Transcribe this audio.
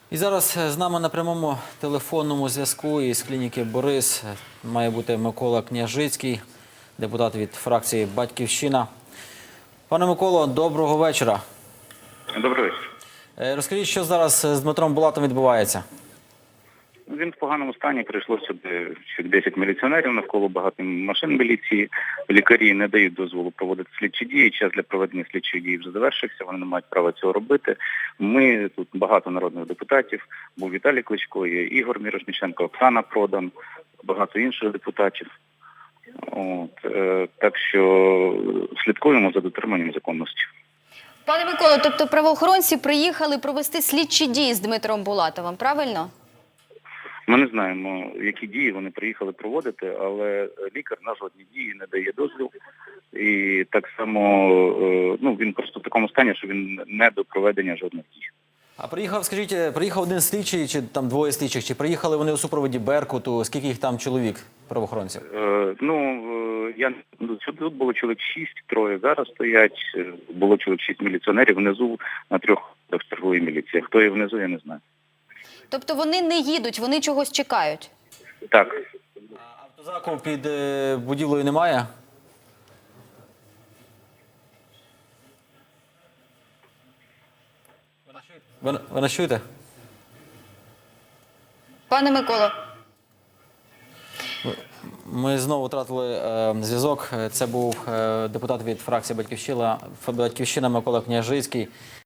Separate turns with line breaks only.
І зараз з нами на прямому телефонному зв'язку із клініки «Борис» має бути Микола Княжицький, депутат від фракції «Батьківщина». Пане Миколо, доброго вечора.
Добрий вечір.
Розкажіть, що зараз з Дмитром Булатовим відбувається?
Він в поганому стані, прийшло сюди 10 міліціонерів, навколо багато машин міліції. Лікарі не дають дозволу проводити слідчі дії, час для проведення слідчих дій вже завершився, вони не мають права цього робити. Ми, тут багато народних депутатів, був Віталій Кличко, є Ігор Мірошниченко, Оксана Продан, багато інших депутатів. Так що слідкуємо за дотриманням законності.
Пане Миколо, тобто правоохоронці приїхали провести слідчі дії з Дмитром Булатовим, правильно?
Ми не знаємо, які дії вони приїхали проводити, але лікар на жодні дії не дає дозвіл. І так само, він просто в такому стані, що він не до проведення жодних дій.
А приїхав один слідчий, чи там двоє слідчих, чи приїхали вони у супроводі «Беркуту», скільки їх там чоловік, правоохоронців?
Тут було чоловік 6, троє зараз стоять, було чоловік 6 міліціонерів внизу на 3 в черговій міліції. Хто є внизу, я не знаю.
Тобто вони не їдуть, вони чогось чекають?
Так.
А автозаку під будівлею немає? Ви нас чуєте?
Пане Миколо.
Ми знову втратили зв'язок. Це був депутат від фракції «Батьківщина» Микола Княжицький.